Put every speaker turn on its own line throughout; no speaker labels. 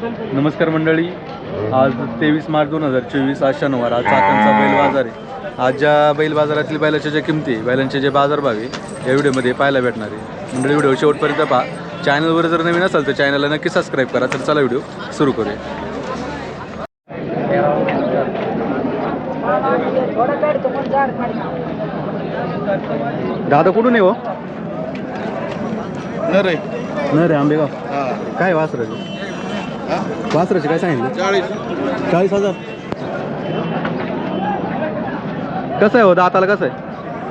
नमस्कार मंडळी, आज 23 मार्च 2024 आज शनिवार. आज चाकणचा बैल बाजार आहे. आज ज्या बैल बाजारातील बैलाच्या ज्या किमती, बैलांचे जे बाजारभाव आहे या व्हिडिओमध्ये पाहायला भेटणार आहे. मंडळी व्हिडिओ शेवटपर्यंत पहा. चॅनलवर जर नवीन असाल तर चॅनलला नक्की सबस्क्राईब करा. तर चला व्हिडिओ सुरू करूया. दादा कुठून आहे हो? नरे आंबेगाव. काय वासराचे वासराचे काय सांगितलं? 40,000. कसं आहे हो दाताला? कसं आहे?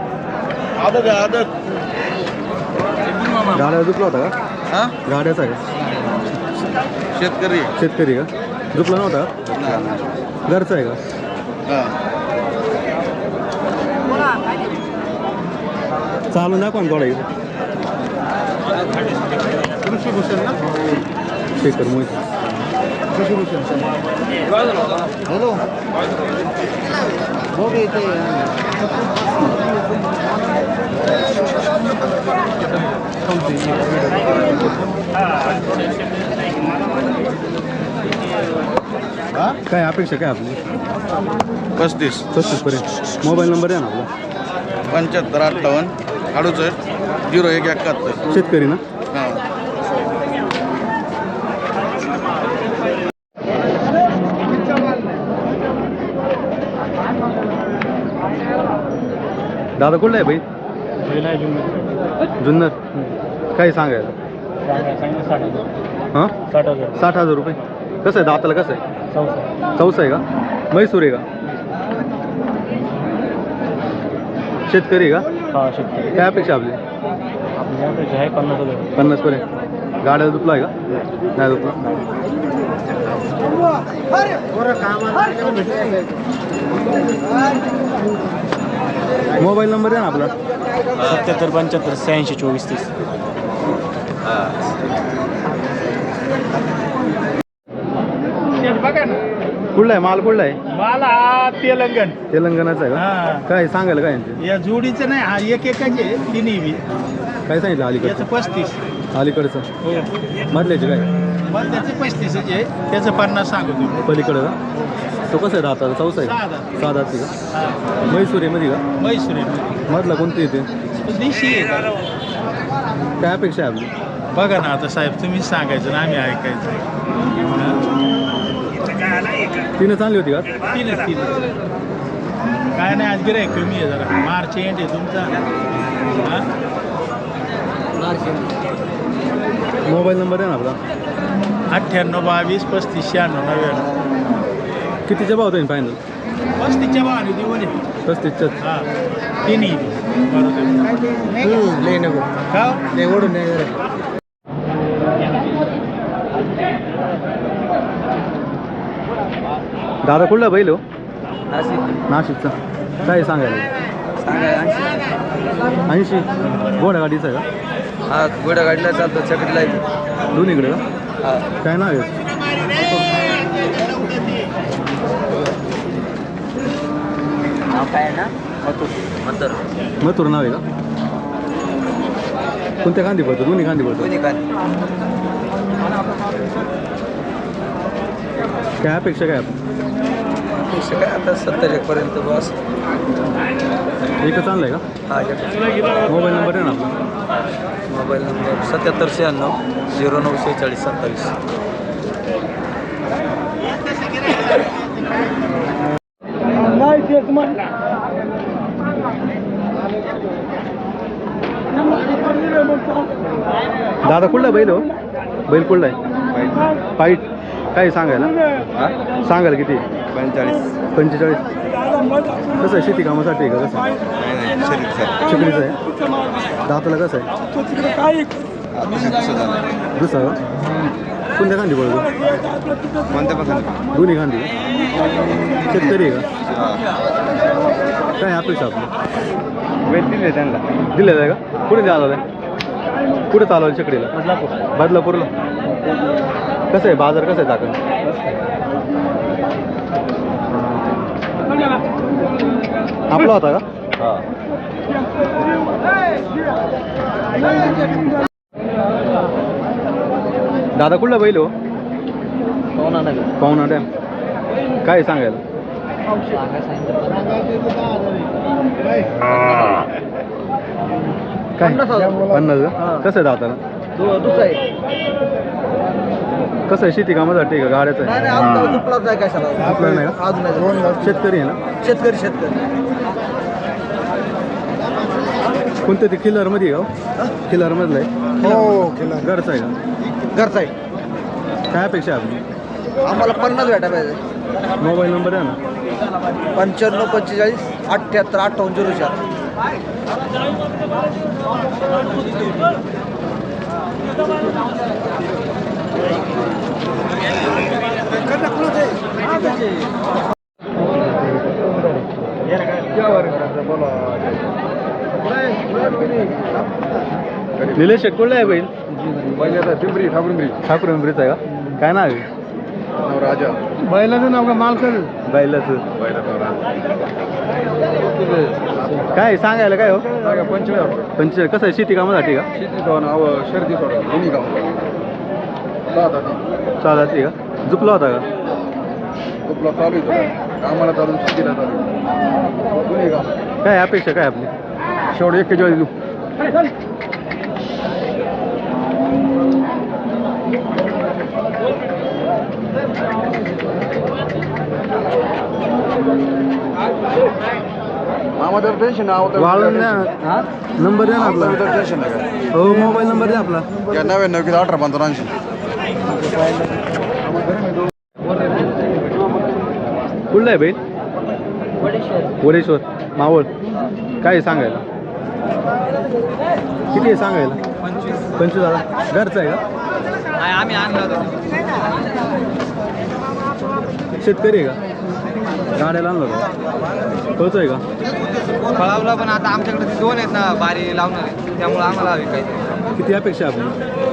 गाड्या झुपला होता का? गाड्याचा का? शेतकरी का? झुपला नव्हता का? घरचा आहे का? चालून दाखवा ना थोडा इकडे. कृषीभूषण ना? शेखर मोहित. कृषीभूषण. हॅलो हो येते. काय अपेक्षा काय आपली?
35
पर्यंत. मोबाईल नंबर आहे ना आपला?
75 58 68 01 71.
शेतकरी ना? दादा कुठला आहे भाई? जुन्नर. काय सांगायला? हां 60,000 रुपये. कसं आहे दाताला? कसं आहे? चौसा आहे का? म्हैसूर आहे का? शेतकरी आहे का?
हां शेतकरी.
काय अपेक्षा आपली?
आपली आहे 50,000.
50 पर्यंत. गाड्याला दुपला आहे का? नाही दुपला. मोबाईल नंबर आहे ना आपला?
77 75 86 24 30.
कुठला आहे माल? कुठला आहे?
मला
तेलंगणाचा आहे का? काय सांगायला काय यांचे?
या जोडीचं नाही, हा एक एकाचे तिन्ही बी.
काय सांगितलं
याचं
अलीकडचं?
35.
अलीकडचं
हो
मधल्याचे काय?
मग त्याचे 35 आहे, त्याचं 50 सांगू तुम्ही.
पलीकडं का? तो कसं आहे दाताला? चौसा आहे का? 6 दाती का? म्हैसूर आहे मध्ये का?
मैसूर
मधला कोणती येते?
देशी आहे.
काय अपेक्षा आहे आपली?
बघा ना आता साहेब, तुम्हीच सांगायचं ना, आम्ही ऐकायचं.
तिनं चांगली होती का?
तीनच काय नाही, आज गिराईक कमी आहे जरा. मार्च एंड आहे तुमचा.
मोबाईल नंबर आहे ना आपला?
98 22 35 96 99.
कितीच्या भाव होईल फायनल?
35च्या भावाने देऊ नये.
35च्या.
हां तिन्ही बरोबर. का
ओढून दादा कुठला बैल हो? नाशिकचा. काय सांगायला? 80. घोडा गाडीचा आहे का?
हा घोडा गाडीला चालतो, चकडीला येतो
दोन्हीकडे का? काय नाव आहे? मथुर नाव आहे का? कोणत्या गांधी पडतो? दोन्ही गांधी पडतो. काय अपेक्षा काय आपण?
काय आता 70 पर्यंत बस.
एकच आणलं आहे का?
हा
मोबाईल नंबर आहे ना आपला?
Mobile number 77 96 09 46 27.
दादा कुठला बैल हो? बैल कुठला आहे? पाईट. काय सांगायला? सांगायला किती? 45. कसं आहे? शेती कामासाठी आहे का? कसं आहे? चिकडीचं आहे. दाताला कसं आहे? दुसरा का? कोणत्या गांधी पडतो? दोन्ही गांधी. शेतकरी आहे का? काय अपेक्षा आपली? दिले आहे का? कुठे द्यायला? कुठे चालवलं चकडीला? बदलापूरला. कसं आहे बाजार? कसं आहे चाकण? आपला होता का? दादा कुठला बैल हो? पाहुणा डॅम काय सांगायला काय 50 का कसं आहे दाताला
दुसरा आहे
कसं आहे शेती कामासाठी का गाड्याचं आहे आपलं नाही का
अजून
शेतकरी आहे ना
शेतकरी
कोणतं ते किल्लारमध्ये आहे का किल्लारमधलं आहे
हो
घरचं आहे का
घरचा आहे
काय अपेक्षा आहे आपली
आम्हाला 50 भेटा पाहिजे
मोबाईल नंबर आहे ना
95 45 78 58 04
निलेश शेटकोळला आहे बैल
पिंपरी
ठाकूर पिंपरीचं आहे का काय नाव आहे
राजा
बैलाचं नाव का मालकाचं बैलाचं काय सांगायला काय हो 45 कसं आहे शेती कामासाठी का
शर्दी सोडा दोन्ही गाव
चालत का झुपला होता का
आपला चालू आहे कामाला चालू शेतीला चालू दोन्ही गाव
काय अपेक्षा काय आपली
शेवट 41 देऊ मामाचं टेन्शन
वाळून द्या नंबर द्या ना आपला
टेन्शन आहे
हो मोबाईल नंबर द्या आपला
का 99 18 85
कुठला आहे बैल वडेश्वर मावळ काय आहे सांगायला किती आहे सांगायला 25 घरचं आहे का
आम्ही आणलं
शेतकरी आहे का गाड्याला आणलं होतं तोच आहे का
फळावला पण आता आमच्याकडे ते 2 आहेत ना बारी लावणार त्यामुळे आम्हाला विकायचं
किती अपेक्षा आपली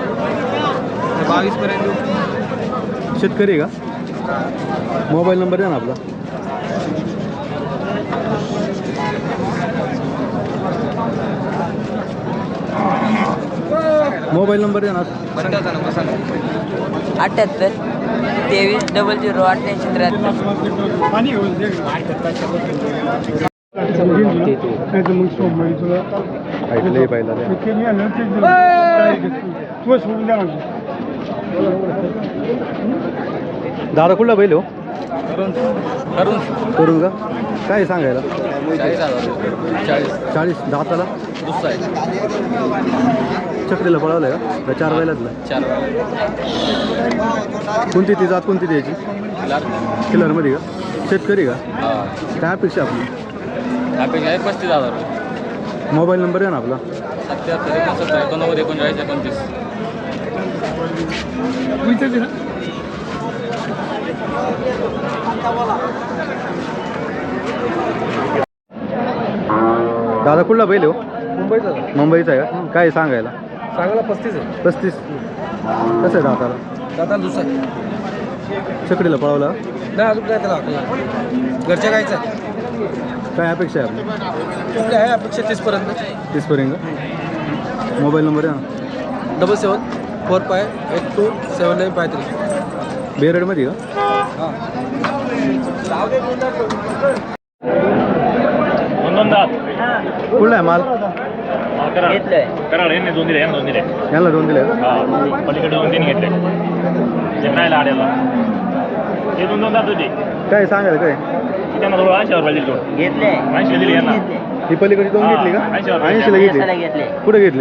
22 पर्यंत देऊ.
शेतकरी आहे का मोबाईल नंबर द्या ना आपला मोबाईल नंबर द्या ना
बंडाचा नंबर सांगा
78 23 00 88
ऐकले पाहिला दादा कुठला बैल हो करून का काय सांगायला 40 दाताला
दुसरा आहे
चक्रीला पळवलंय का 4 बैलातला
4
कोणती ती जात कोणती द्यायची किल्लरमध्ये का शेतकरी का काय अपेक्षा आपली
अपेक्षा आहे 35,000 रुपये
मोबाईल नंबर आहे ना आपला
77 89 39 29
दादा कुठला बैल हो
मुंबईचा
मुंबईचा आहे का काय सांगायला
सांगायला 35 आहे
35 कसं आहे दाताला
दादा दुसरा आहे
चकडीला पळवला
नाही अजून काय त्याला घरच्या गायचं आहे
काय अपेक्षा आहे आपली
कुठले आहे अपेक्षा 30 पर्यंत
30 पर्यंत मोबाईल नंबर आहे ना
77 45 12 7953
बेरडमध्ये का कुठला आहे माल
कराड यांनी 2 दिले यांना 2 दिले
यांना 2 दिले का?
हा पलीकडे 2-3 घेतले ते नाही आड्याला ते 2 जात होते
काय सांगायला काय
त्यांना थोडं 80 रुपये दिले
घेतले
80 दिले यांना
ही पलीकडे 2 घेतली का 80 ला घेतली
घेतले
कुठे घेतले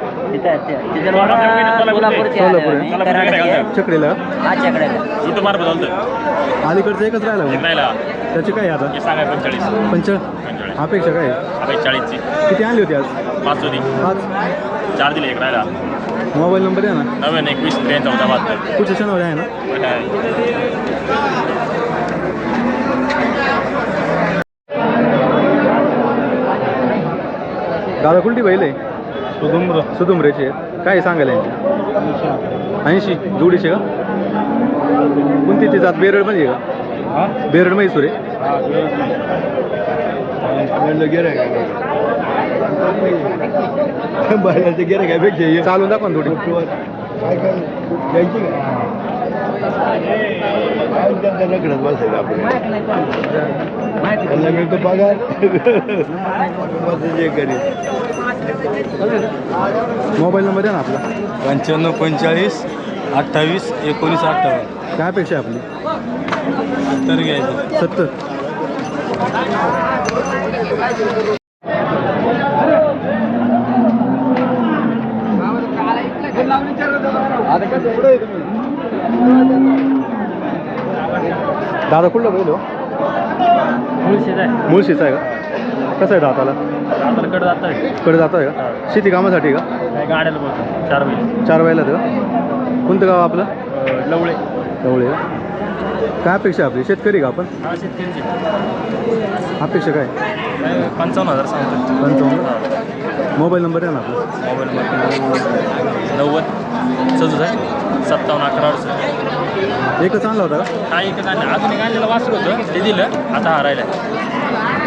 सोलापूरचे
सोलापूर आहे. चकडीला
हा चकड्याला
इथं मार्ग चालतं
अलीकडचं एकच राहिला मग.
नाही
त्याची काय आता
हे सांगाय 45
45 अपेक्षा काय
अपेक्षा 40ची
किती आणली होती आज
5 होती
5
4 दिले एक राहिला
मोबाईल नंबर आहे ना
99 21 43 14
पुढच्या शनिवारी आहे ना दादा कुठली बैल आहे सुदुमरेचे काय सांगायला यांची 80 जोडीचे का कोणती ती जात बेरडमध्ये आहे का बेरड म्हैसूर आहे चालून दाखवा ना थोडी
लग्नात बसायचं आपल्याला मिळतो पगार जे करेल.
मोबाईल नंबर द्या ना आपला.
95 45 28 19 58.
काय अपेक्षा आहे आपली?
तर घ्यायचं
70. दादा कुठलं बैल हो? मुळशीचा आहे का? कसं आहे दाताला? कडे जात आहे का? शेती कामासाठी का?
गाड्याला बोलतो 4 बैल
4 बैल आहेत का? कोणतं गाव आपलं?
लवळे
जवळ का? काय अपेक्षा आहे आपली? शेतकरी का आपण?
हा शेतकरीचे
अपेक्षा काय?
55,000 सांगतो.
55. मोबाईल नंबर आहे ना आपला.
मोबाईल 90 67 57 11 68.
एकच आणला होता का?
हा एक अजून एक आणलेलं वासर होतं ते दिलं आता हा राहिलं.